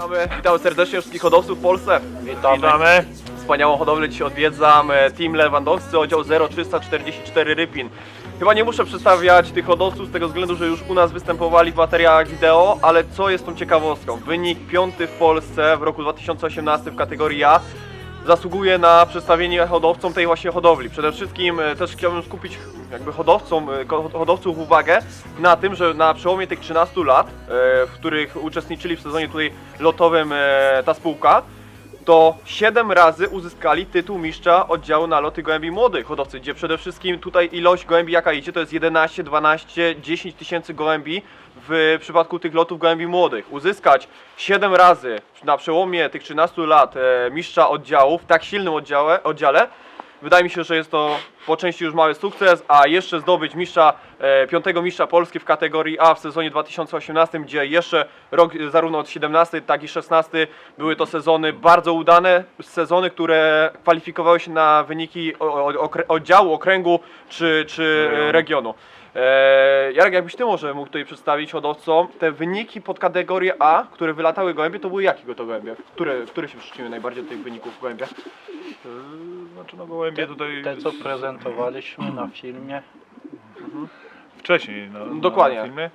Witamy serdecznie wszystkich hodowców w Polsce. Witamy. Wspaniałą hodowlę dzisiaj odwiedzam. Team Lewandowscy, oddział 0344 Rypin. Chyba nie muszę przedstawiać tych hodowców z tego względu, że już u nas występowali w materiałach wideo, ale co jest tą ciekawostką? Wynik 5. w Polsce w roku 2018 w kategorii A zasługuje na przedstawienie hodowcom tej właśnie hodowli. Przede wszystkim też chciałbym skupić jakby hodowców uwagę na tym, że na przełomie tych 13 lat, w których uczestniczyli w sezonie tutaj lotowym ta spółka, to 7 razy uzyskali tytuł mistrza oddziału na loty gołębi młodych hodowcy, gdzie przede wszystkim tutaj ilość gołębi jaka idzie, to jest 11, 12, 10 tysięcy gołębi w przypadku tych lotów gołębi młodych. Uzyskać 7 razy na przełomie tych 13 lat mistrza oddziału w tak silnym oddziale, wydaje mi się, że jest to po części już mały sukces, a jeszcze zdobyć piątego mistrza Polski w kategorii A w sezonie 2018, gdzie jeszcze rok zarówno od 17, jak i 16 były to sezony bardzo udane, sezony, które kwalifikowały się na wyniki oddziału, okręgu czy regionu. Jarek, jakbyś ty może mógł tutaj przedstawić hodowcom te wyniki pod kategorię A, które wylatały gołębie, to były jakie to gołębie? Które się przyczyniły najbardziej do tych wyników w gołębiach? Znaczy no gołębie tutaj... Te co prezentowaliśmy na filmie. Wcześniej Dokładnie. Na filmie.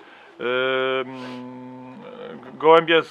Gołębie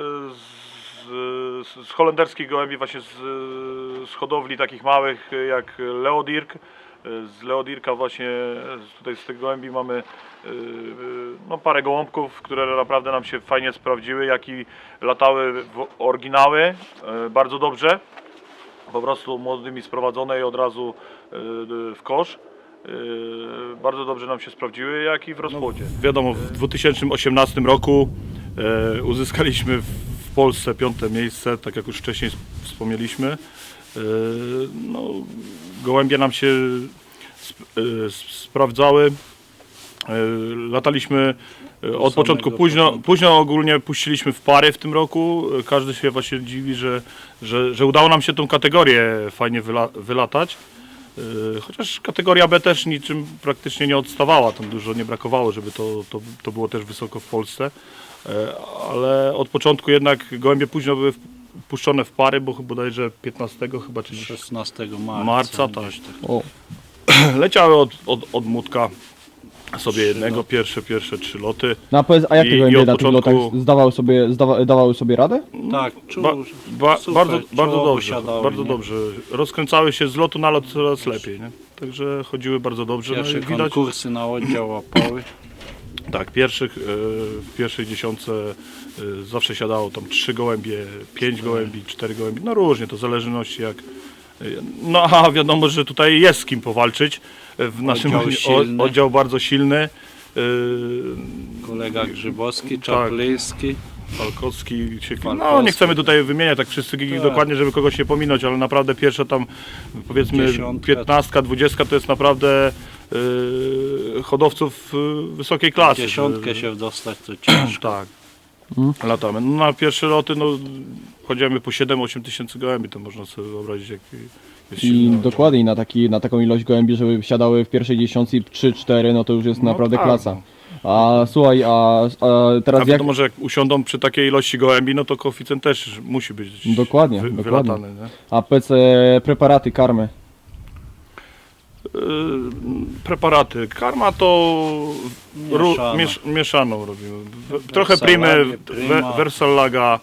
z holenderskich gołębi, właśnie z hodowli takich małych jak Leodirk. Z Leodirka właśnie tutaj z tych gołębi mamy no, parę gołąbków, które naprawdę nam się fajnie sprawdziły, jak i latały w oryginały bardzo dobrze. Po prostu młodymi sprowadzone i od razu w kosz. Bardzo dobrze nam się sprawdziły, jak i w rozpłodzie. No, wiadomo, w 2018 roku uzyskaliśmy w Polsce 5. miejsce, tak jak już wcześniej wspomnieliśmy. No, gołębie nam się sprawdzały. Lataliśmy od początku późno ogólnie puściliśmy w pary w tym roku. Każdy się właśnie dziwi, że udało nam się tą kategorię fajnie wylatać. Chociaż kategoria B też niczym praktycznie nie odstawała, tam dużo nie brakowało, żeby to było też wysoko w Polsce. Ale od początku jednak gołębie późno były puszczone w pary, bo bodajże 15 chyba, czy 16 marca tak. Leciały od młódka sobie jednego, pierwsze 3 loty. No a powiedz, a jak te gołębie na tych lotach dawały sobie radę? Tak, bardzo dobrze. Rozkręcały się z lotu na lot coraz lepiej, nie? Także chodziły bardzo dobrze. Pierwsze no widać, konkursy na oddział łapały. tak, w pierwszej dziesiątce zawsze siadało tam 3 gołębie, 5 gołębi, 4 gołębi, no różnie, to w zależności jak. No a wiadomo, że tutaj jest z kim powalczyć. W naszym oddział bardzo silny. Kolega Grzybowski, Czaplyński. Falkowski, no nie chcemy tutaj wymieniać tak wszyscy dokładnie, żeby kogoś nie pominąć, ale naprawdę pierwsza tam powiedzmy 15, 20 to jest naprawdę hodowców wysokiej klasy. 10 się dostać to ciężko. Tak. Latamy. No, na pierwsze loty no, chodzimy po 7-8 tysięcy gołębi, to można sobie wyobrazić jak jest I dokładnie na taką ilość gołębi, żeby wsiadały w pierwszej dziesiątce 3-4, no to już jest naprawdę tak. klasa. A słuchaj, a teraz wiadomo, że jak usiądą przy takiej ilości gołębi, no to koeficjent też musi być dokładnie. wylatany. Nie? A powiedz, preparaty, karmy? Preparaty. Karma to mieszaną robimy. Trochę Primy, Versallaga,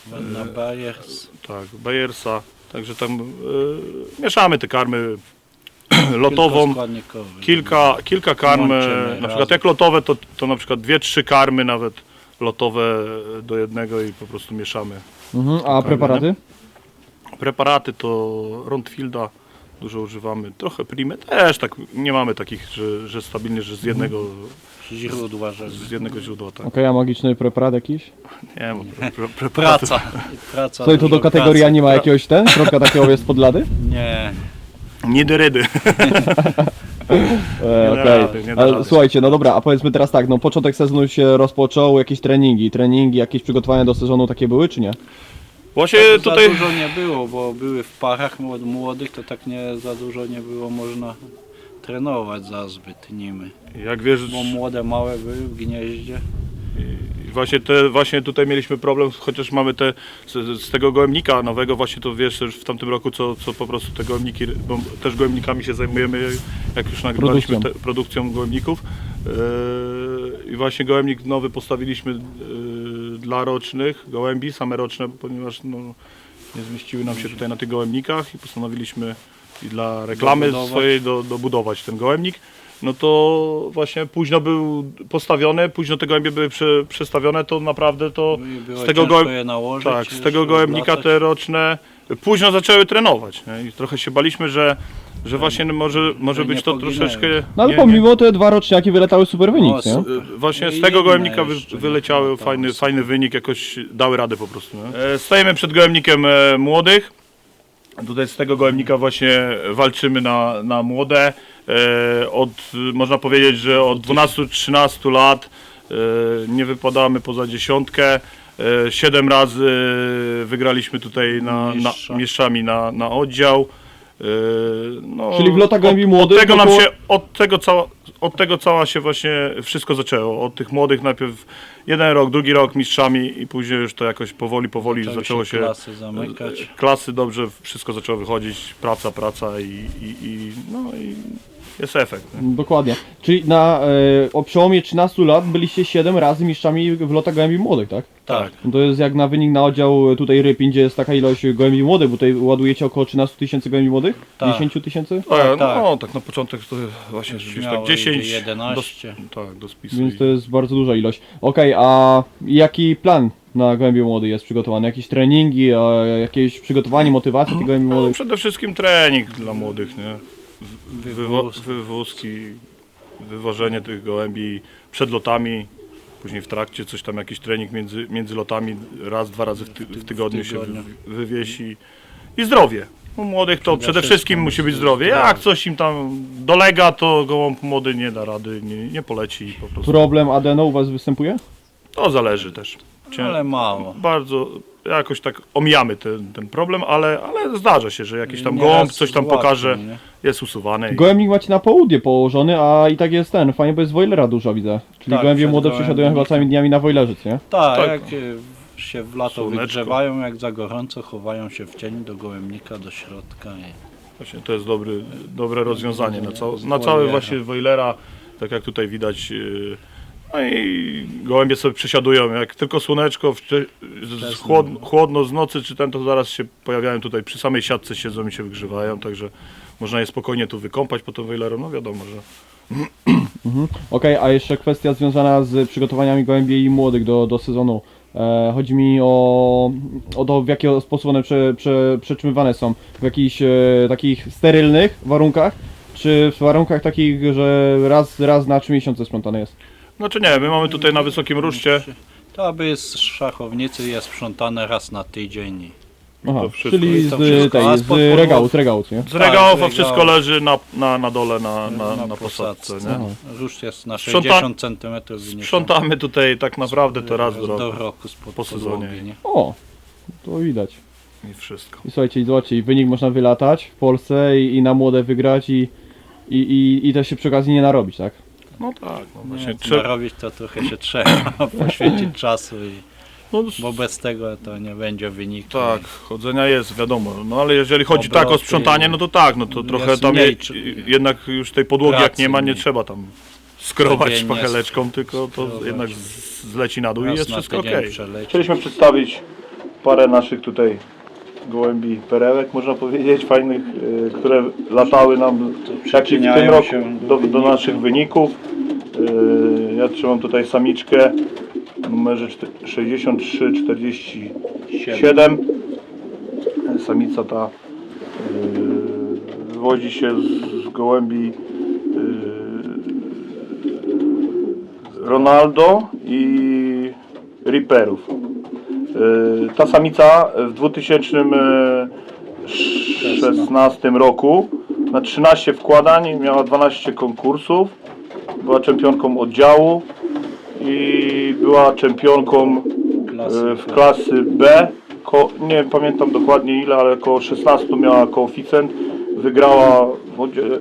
tak, Bayersa. Także tam mieszamy te karmy lotową. Kilka karm, na przykład jak lotowe to na przykład 2-3 karmy nawet lotowe do jednego i po prostu mieszamy. A preparaty? Preparaty to Rondfielda dużo używamy, trochę Primy też, tak nie mamy takich, że stabilnie, że z jednego źródła. Tak. Okej, a magiczny preparat jakiś? Nie, bo Praca. Słuchaj, to do kategorii nie ma jakiegoś środka takiego jest pod lady? Nie. Nidyrydy. Ale słuchajcie, no dobra, a powiedzmy teraz tak, no początek sezonu się rozpoczął, jakieś treningi, jakieś przygotowania do sezonu takie były, czy nie? Właśnie Tak tutaj za dużo nie było, bo były w parach młodych, to tak nie za dużo nie było można trenować za zbyt nimi. Jak wiesz, bo młode małe były w gnieździe. Właśnie tutaj mieliśmy problem, chociaż mamy z tego gołębnika nowego, właśnie to wiesz już w tamtym roku, co po prostu te gołębniki, bo też gołębnikami się zajmujemy, jak już nagrywaliśmy produkcją gołębników. I właśnie gołębnik nowy postawiliśmy dla rocznych gołębi, same roczne, ponieważ no, nie zmieściły nam się tutaj na tych gołębnikach i postanowiliśmy i dla reklamy swojej dobudować ten gołębnik. No to właśnie późno był postawiony, późno te gołębie były przestawione, to naprawdę to z tego gołębnika te roczne późno zaczęły trenować. Nie? I trochę się baliśmy, że właśnie może być to troszeczkę... No ale pomimo te 2 roczniaki wyletały super wynik, nie? Właśnie z tego gołębnika wyleciały fajny wynik, jakoś dały radę po prostu. Nie? Stajemy przed gołębnikiem młodych. Tutaj z tego gołębnika właśnie walczymy na młode. Można powiedzieć, że od 12-13 lat nie wypadamy poza dziesiątkę. 7 razy wygraliśmy tutaj mistrzami na oddział. No, Czyli w lotach gołębi młodych... Od tego cała się właśnie wszystko zaczęło. Od tych młodych najpierw jeden rok, drugi rok mistrzami i później już to jakoś powoli zaczęło się klasy zamykać. Klasy dobrze, wszystko zaczęło wychodzić, praca i jest efekt. Nie? Dokładnie. Czyli o przełomie 13 lat byliście 7 razy mistrzami w lotach gołębi młodych, tak? Tak. No to jest jak na wynik na oddział tutaj Rypin, gdzie jest taka ilość gołębi młodych, bo tutaj ładujecie około 13 000 gołębi młodych? Tak. 10 000? No tak na początek to właśnie gdzieś tak 10, 11. do spisu. Więc to jest bardzo duża ilość. Okej, a jaki plan na gołębie młody jest przygotowany? Jakieś treningi, jakieś przygotowanie, motywacja tych gołębi No, młodych? przede wszystkim trening dla młodych, nie? Wywózki, wywożenie tych gołębi przed lotami, później w trakcie coś tam, jakiś trening między lotami, raz, 2 razy w tygodniu się wywiesi i zdrowie. U młodych to przede wszystkim musi być zdrowie. Jak coś im tam dolega, to gołąb młody nie da rady, nie poleci po prostu. Problem adeno u was występuje? To zależy też. Ale mało. Bardzo jakoś tak omijamy ten problem, ale zdarza się, że jakiś tam Nieraz gołąb coś tam złapie, pokaże, nie? jest usuwany. Gołębnik macie na południe położony, a i tak jest fajnie, bo jest wojlera dużo widzę. Czyli Tak, gołębie przed młode gołębnikiem. przesiadują chyba całymi dniami na wojlerzyc, nie? Tak, Tak. jak się w lato Słoneczko. wygrzewają, jak za gorąco, chowają się w cień do gołębnika, do środka. Właśnie to jest dobre rozwiązanie na cały właśnie wojlera, tak jak tutaj widać. No i gołębie sobie przesiadują, jak tylko słoneczko, chłodno z nocy czy to zaraz się pojawiają tutaj, przy samej siatce siedzą i się wygrzewają, także można je spokojnie tu wykąpać po tym wojlerem, no wiadomo, że... Okej, a jeszcze kwestia związana z przygotowaniami gołębi i młodych do sezonu. Chodzi mi o to, w jaki sposób one przetrzymywane są. W jakichś takich sterylnych warunkach, czy w warunkach takich, że raz na 3 miesiące sprzątane jest? Znaczy nie, my mamy tutaj na wysokim ruszcie. To aby z szachownicy jest sprzątane raz na tydzień. Aha, To wszystko. czyli To wszystko. A z spod regałów, nie? Z regałów, a regał. wszystko leży na dole, na posadce. Nie? Aha. Róż jest na Sprząta- 60 cm wyniesiony. Sprzątamy tutaj tak naprawdę to raz do roku spod po sezonie. podłogi, nie? O, to widać. i wszystko. I słuchajcie, i wynik można wylatać w Polsce i na młode wygrać i też się przy okazji nie narobić, tak? No tak, no właśnie. Nie, narobić to trochę się trzeba poświęcić czasu, No, bo bez tego to nie będzie wyniku. tak, chodzenia jest, wiadomo, no ale jeżeli chodzi tak o Obroty, sprzątanie, no to tak, no to trochę jest tam mniej, jednak już tej podłogi jak pracy nie ma, nie mniej. trzeba tam skrobać Codziennie szpacheleczką, tylko to skrobać. jednak zleci na dół i Raz jest na wszystko tydzień okej. przeleci. Chcieliśmy przedstawić parę naszych tutaj gołębi perełek, można powiedzieć, fajnych, które latały nam jak i w tym przyczyniają roku się do naszych wyników. Ja trzymam tutaj samiczkę w numerze 6347. Samica ta wywodzi się z gołębi Ronaldo i Reaperów. Ta samica w 2016 roku na 13 wkładań miała 12 konkursów, była czempionką oddziału i była czempionką w klasy B. Nie pamiętam dokładnie ile, ale około 16 miała koeficjent. Wygrała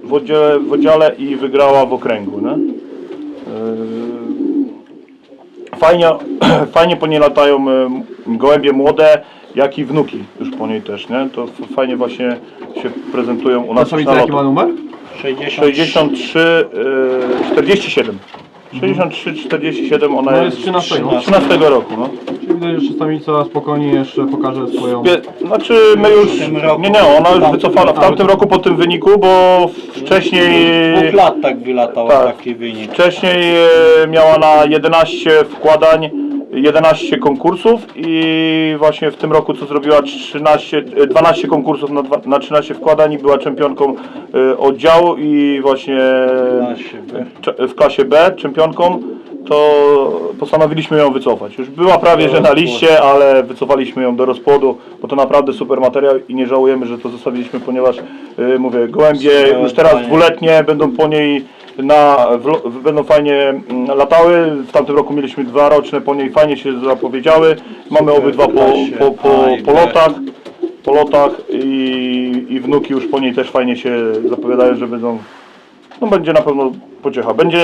w oddziale i wygrała w okręgu. Nie? fajnie po niej latają gołębie młode, jak i wnuki już po niej też, nie? To fajnie właśnie się prezentują u Ta nas samica na jaki ma lotach. numer? 63, 47. 63, 47, ona No jest jest 13. 13 roku, no. Czyli widać, że samica spokojnie jeszcze pokaże swoją... Znaczy my już, W tym roku. nie, ona już wycofana w tamtym roku po tym wyniku, bo wcześniej, 2 lat tak wylatał Tak. taki wynik. wcześniej miała na 11 wkładań, 11 konkursów i właśnie w tym roku co zrobiła 12 konkursów na 13 wkładań i była czempionką oddziału i właśnie w klasie B czempionką, to postanowiliśmy ją wycofać. Już była prawie że na liście, ale wycofaliśmy ją do rozpłodu, bo to naprawdę super materiał i nie żałujemy, że to zostawiliśmy, ponieważ mówię, gołębie już teraz dwuletnie będą po niej będą fajnie latały. W tamtym roku mieliśmy 2 roczne, po niej fajnie się zapowiedziały. Mamy obydwa po lotach i wnuki już po niej też fajnie się zapowiadają, że będą, no będzie na pewno pociecha. Będzie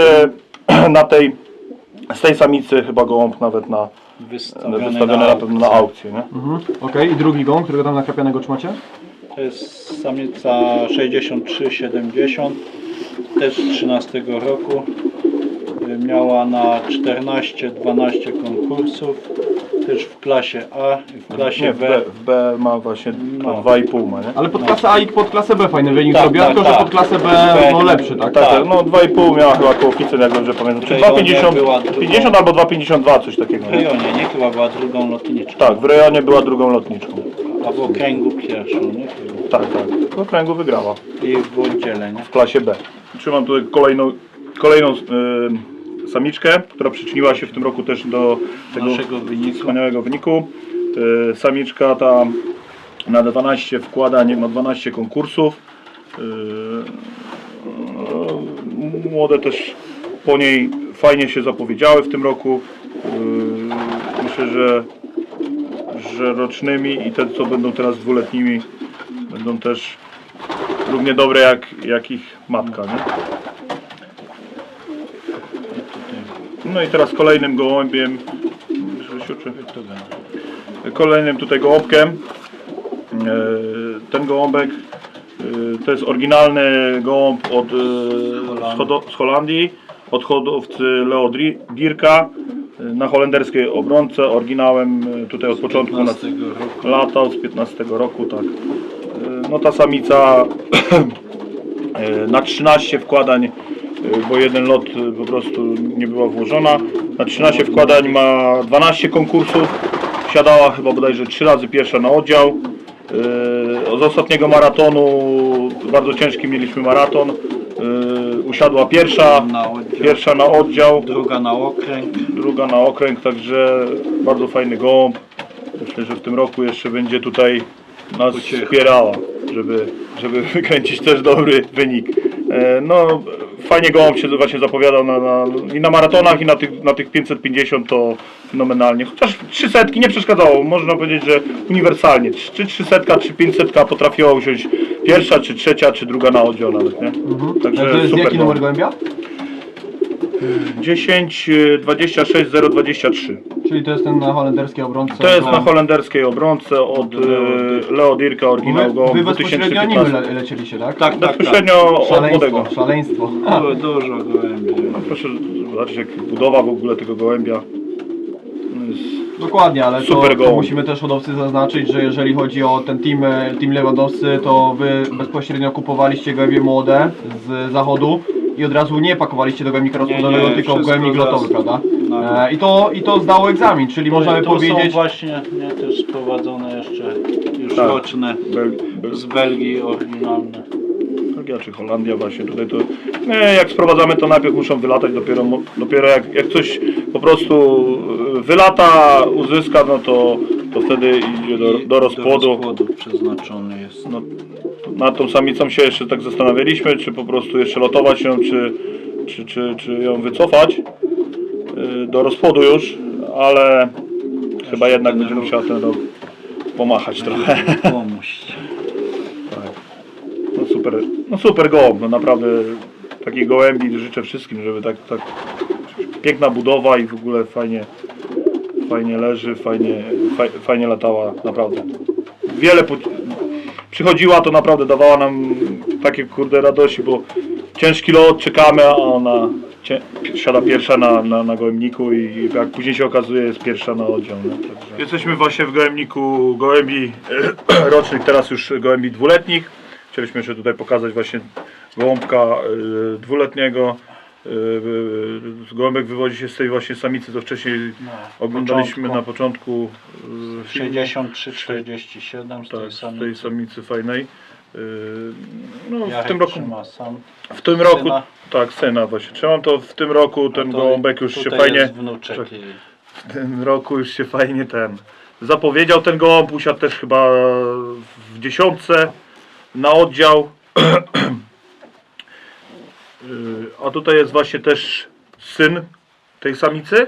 z tej samicy chyba gołąb nawet wystawiony na pewno na aukcję, nie? Okej, i drugi gołąb, którego tam nakrapianego trzymacie? To jest samica 63-70, też z 13 roku. Miała na 14-12 konkursów, też w klasie A i w klasie Nie, B. w B ma właśnie No. 2,5 ma, nie? Ale pod klasę A i pod klasę B fajny wynik Tak, zrobiła, tak, tylko że tak. pod klasę B no B lepszy, tak? Tak, no 2,5 miała chyba koeficjent, jak dobrze pamiętam. Czy W rejonie 2,50 była drugą. 50 albo 2,52, coś takiego. W rejonie, nie? Chyba była drugą lotniczką, Tak, w rejonie była drugą lotniczką. a w okręgu pierwszą, nie? Chyba. Tak, tak. W okręgu wygrała I w oddziale, nie? w klasie B. Trzymam tutaj kolejną samiczkę, która przyczyniła się w tym roku też do tego Naszego wyniku. wspaniałego wyniku. Samiczka ta na 12 wkładań ma 12 konkursów. Młode też po niej fajnie się zapowiedziały w tym roku. Myślę, że rocznymi i te co będą teraz dwuletnimi będą też równie dobre jak ich matka, nie? No i teraz kolejnym gołębiem, kolejnym tutaj gołąbkiem, ten gołąbek to jest oryginalny gołąb z Holandii, od hodowcy Leo Dierka na holenderskiej obronce, oryginałem tutaj od początku latał z 15 roku, tak. No ta samica na 13 wkładań, bo jeden lot po prostu nie była włożona. Na 13 wkładań ma 12 konkursów. Wsiadała chyba bodajże 3 razy pierwsza na oddział. Z ostatniego maratonu, bardzo ciężki mieliśmy maraton. Usiadła pierwsza na oddział, druga na okręg, także bardzo fajny gołąb. Myślę, że w tym roku jeszcze będzie tutaj nas wspierała, żeby wykręcić też dobry wynik. No, fajnie gołąb się właśnie zapowiadał i na maratonach, i na tych 550 to fenomenalnie. Chociaż 300 nie przeszkadzało, można powiedzieć, że uniwersalnie. Czy 300, czy 500 potrafiła usiąść pierwsza, czy trzecia, czy druga na oddział nawet, nie? Także To jest super jaki numer gołębia? 10 26 023. Czyli to jest ten na holenderskiej obrońce. To jest na holenderskiej obronce od Leo Dierka, oryginał go Wy bezpośrednio nim 2015. lecieliście, tak? Tak, Bezpośrednio od młodego. Szaleństwo. Było dużo gołębi. No proszę zobaczyć, jak budowa w ogóle tego gołębia. No jest Dokładnie, ale super to gołąb. musimy też hodowcy zaznaczyć, że jeżeli chodzi o ten team Lewandowscy, to wy bezpośrednio kupowaliście gołębie młode z zachodu i od razu nie pakowaliście do gołębnika rozpłodowego, nie, tylko w wszystko gołębnik lotowy, raz. prawda? No. I to zdało egzamin, czyli możemy to są powiedzieć... właśnie też sprowadzone jeszcze już Tak. roczne z Belgii oryginalne. Belgia czy Holandia właśnie tutaj to. Nie, jak sprowadzamy to najpierw muszą wylatać, dopiero jak coś po prostu wylata, uzyska, no to wtedy idzie do rozpłodu. Do rozpłodu przeznaczony jest. No, nad tą samicą się jeszcze tak zastanawialiśmy, czy po prostu jeszcze lotować ją, czy ją wycofać do rozpłodu już, ale chyba jednak będzie musiała ten rok pomachać trochę. Pomóż. No super gołąb, no naprawdę takich gołębi życzę wszystkim, żeby tak piękna budowa i w ogóle fajnie leży, fajnie latała, naprawdę. Przychodziła, to naprawdę dawała nam takie kurde radości, bo ciężki lot, czekamy, a ona siada pierwsza na gołębniku i jak później się okazuje, jest pierwsza na oddział. Nie? Także... Jesteśmy właśnie w gołębniku gołębi rocznych, teraz już gołębi dwuletnich. Chcieliśmy jeszcze tutaj pokazać właśnie gołąbka dwuletniego. Gołąbek wywodzi się z tej właśnie samicy, co wcześniej oglądaliśmy na początku. 63-47 z tej Z tej samicy fajnej. No, Jarek w tym roku. trzyma sam W tym roku, syna. tak, syna właśnie. Trzymam to w tym roku, ten to gołąbek już się tutaj fajnie. jest wnuczek Tak. i W tym roku już się fajnie zapowiedział ten gołąb, usiadł też chyba w 10 na oddział. A tutaj jest właśnie też syn tej samicy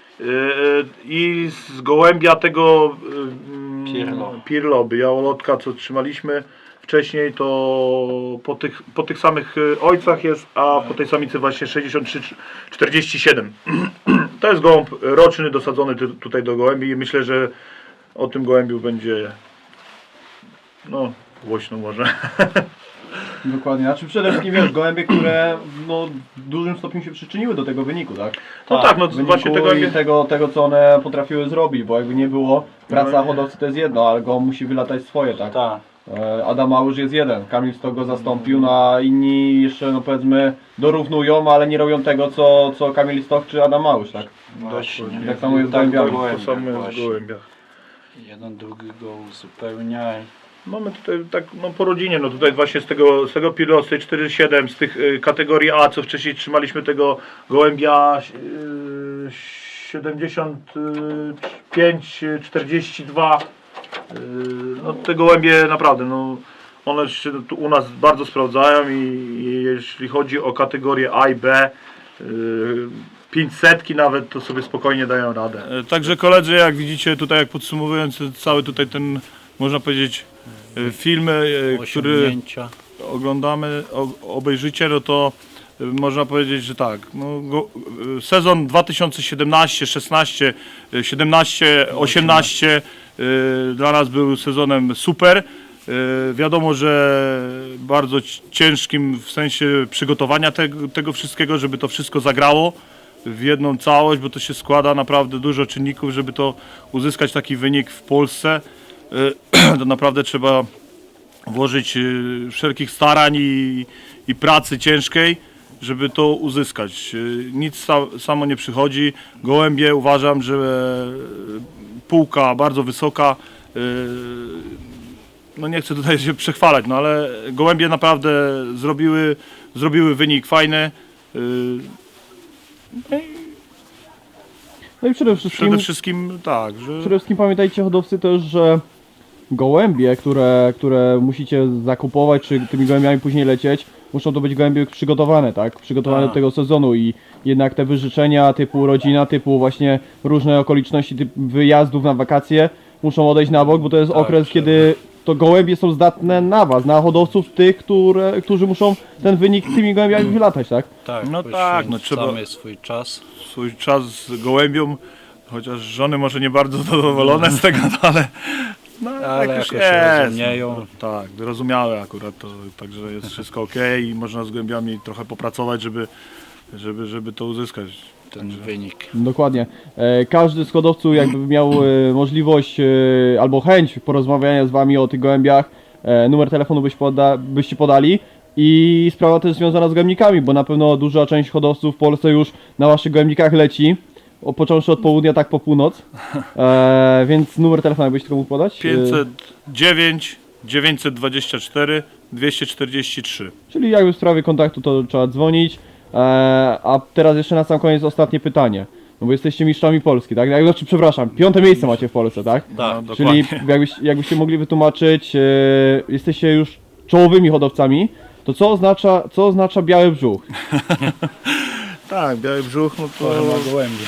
i z gołębia tego Pirlo, białolotka, co trzymaliśmy wcześniej, to po tych samych ojcach jest, a po tej samicy właśnie 63-47. To jest gołąb roczny, dosadzony tutaj do gołębi i myślę, że o tym gołębiu będzie no głośno może. Dokładnie, znaczy przede wszystkim wiesz, gołębie, które no, w dużym stopniu się przyczyniły do tego wyniku, tak? No tak, no Wyniku właśnie tego co one potrafiły zrobić, bo jakby nie było, praca hodowcy to jest jedno, ale go musi wylatać swoje, tak? tak. Adam Małysz jest jeden, Kamil Stok go zastąpił, no a inni jeszcze no powiedzmy dorównują, ale nie robią tego co Kamil Stok czy Adam Małysz, tak? Właśnie. Tak samo jest z Tak, gołębiami. To samo jest w właśnie. gołębiach. Jeden drugiego uzupełnia. Mamy tutaj tak no po rodzinie, no tutaj właśnie z tego Pirlo, z tej 4-7, z tych kategorii A, co wcześniej trzymaliśmy tego gołębia 75-42. No te gołębie naprawdę, no one się tu u nas bardzo sprawdzają i jeśli chodzi o kategorię A i B, 500 nawet, to sobie spokojnie dają radę. Także koledzy, jak widzicie tutaj, jak podsumowując cały tutaj ten, można powiedzieć, film, który Osiągnięcia. oglądamy, obejrzycie, no to można powiedzieć, że tak, no, sezon 2017, 16, 17, 18 dla nas był sezonem super. Wiadomo, że bardzo ciężkim w sensie przygotowania tego wszystkiego, żeby to wszystko zagrało w jedną całość, bo to się składa naprawdę dużo czynników, żeby to uzyskać taki wynik w Polsce. To naprawdę trzeba włożyć wszelkich starań i pracy ciężkiej, żeby to uzyskać. Nic samo nie przychodzi. Gołębie uważam, że półka bardzo wysoka. No nie chcę tutaj się przechwalać, no ale gołębie naprawdę zrobiły wynik fajny. No i przede Wszystkim tak, że Przede wszystkim pamiętajcie hodowcy też, że gołębie, które musicie zakupować, czy tymi gołębiami później lecieć, muszą to być gołębie przygotowane, tak? Przygotowane do tego sezonu i jednak te wyżyczenia typu rodzina, typu właśnie różne okoliczności typu wyjazdów na wakacje muszą odejść na bok, bo to jest okres, kiedy to gołębie są zdatne na was, na hodowców tych, którzy muszą ten wynik tymi gołębiami wylatać, tak? Tak, No tak, no trzeba- poświęcamy swój czas. swój czas z gołębią, chociaż żony może nie bardzo zadowolone z tego, no ale no, Ale jak już jakoś się jest, rozumieją. no, tak, zrozumiałe akurat to, także jest wszystko ok i można z gołębiami trochę popracować, żeby to uzyskać. Ten wynik. Dokładnie. Każdy z hodowców jakby miał możliwość albo chęć porozmawiania z wami o tych gołębiach, numer telefonu byście podali i sprawa też związana z gołębnikami, bo na pewno duża część hodowców w Polsce już na waszych gołębnikach leci, począwszy od południa, tak po północ, więc numer telefonu jakbyś tylko mógł podać? 509 924 243. Czyli jakby w sprawie kontaktu to trzeba dzwonić. A teraz jeszcze na sam koniec ostatnie pytanie. No bo jesteście mistrzami Polski, tak? Znaczy, przepraszam, 5. miejsce macie w Polsce, tak? Tak, No, Czyli dokładnie. jakbyście mogli wytłumaczyć, jesteście już czołowymi hodowcami, to co oznacza biały brzuch? Tak, biały brzuch, no to, Forma gołębia.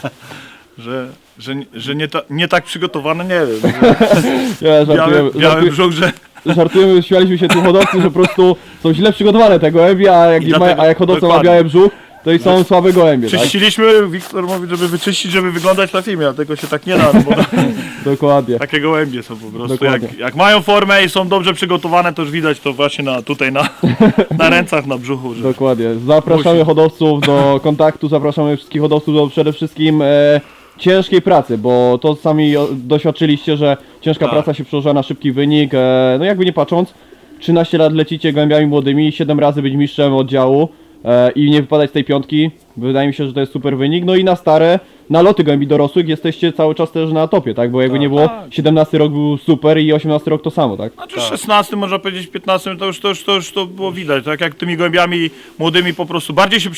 że nie tak przygotowany, nie wiem. Ja Biały brzuch, że żartujemy, śmialiśmy się tu hodowcy, że po prostu są źle przygotowane te gołębie, a I dlatego- jak hodowca ma dokładnie. biały brzuch, to i są słabe gołębie, tak? Czyściliśmy, Wiktor mówi, żeby wyczyścić, żeby wyglądać na filmie, a tego się tak nie da, no bo Dokładnie. takie gołębie są po prostu. Dokładnie. Jak mają formę i są dobrze przygotowane, to już widać to właśnie tutaj na rękach, na brzuchu. Że... Dokładnie. Zapraszamy Musi. hodowców do kontaktu, zapraszamy wszystkich hodowców do przede wszystkim ciężkiej pracy, bo to sami doświadczyliście, że ciężka Tak. praca się przełożyła na szybki wynik. No jakby nie patrząc, 13 lat lecicie gołębiami młodymi, 7 razy być mistrzem oddziału i nie wypadać z tej piątki. Wydaje mi się, że to jest super wynik. No i na stare, na loty gołębi dorosłych jesteście cały czas też na topie, tak? Bo jakby nie było, 17 rok był super i 18 rok to samo, tak? Znaczy 16, można powiedzieć 15, to już to było widać, tak jak tymi gołębiami młodymi po prostu bardziej się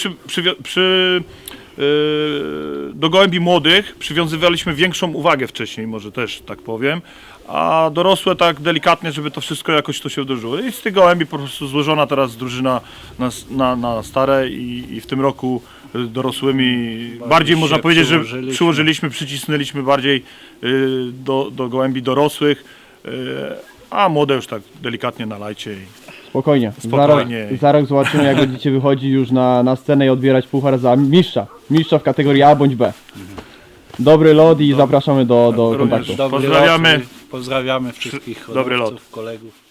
do gołębi młodych przywiązywaliśmy większą uwagę wcześniej, może też tak powiem, a dorosłe tak delikatnie, żeby to wszystko jakoś to się wdrożyło. I z tych gołębi po prostu złożona teraz drużyna na stare i w tym roku dorosłymi bardziej można się powiedzieć, że przyłożyliśmy. przycisnęliśmy bardziej do gołębi dorosłych, a młode już tak delikatnie nalajcie. Spokojnie. Spokojnie. Za rok zobaczymy, jak będziecie wychodzić już na scenę i odbierać puchar za mistrza. Mistrza w kategorii A bądź B. Dobry lot i zapraszamy do Również kontaktu. Dobry Pozdrawiamy. Lot, pozdrawiamy wszystkich Dobry lot. hodowców, kolegów.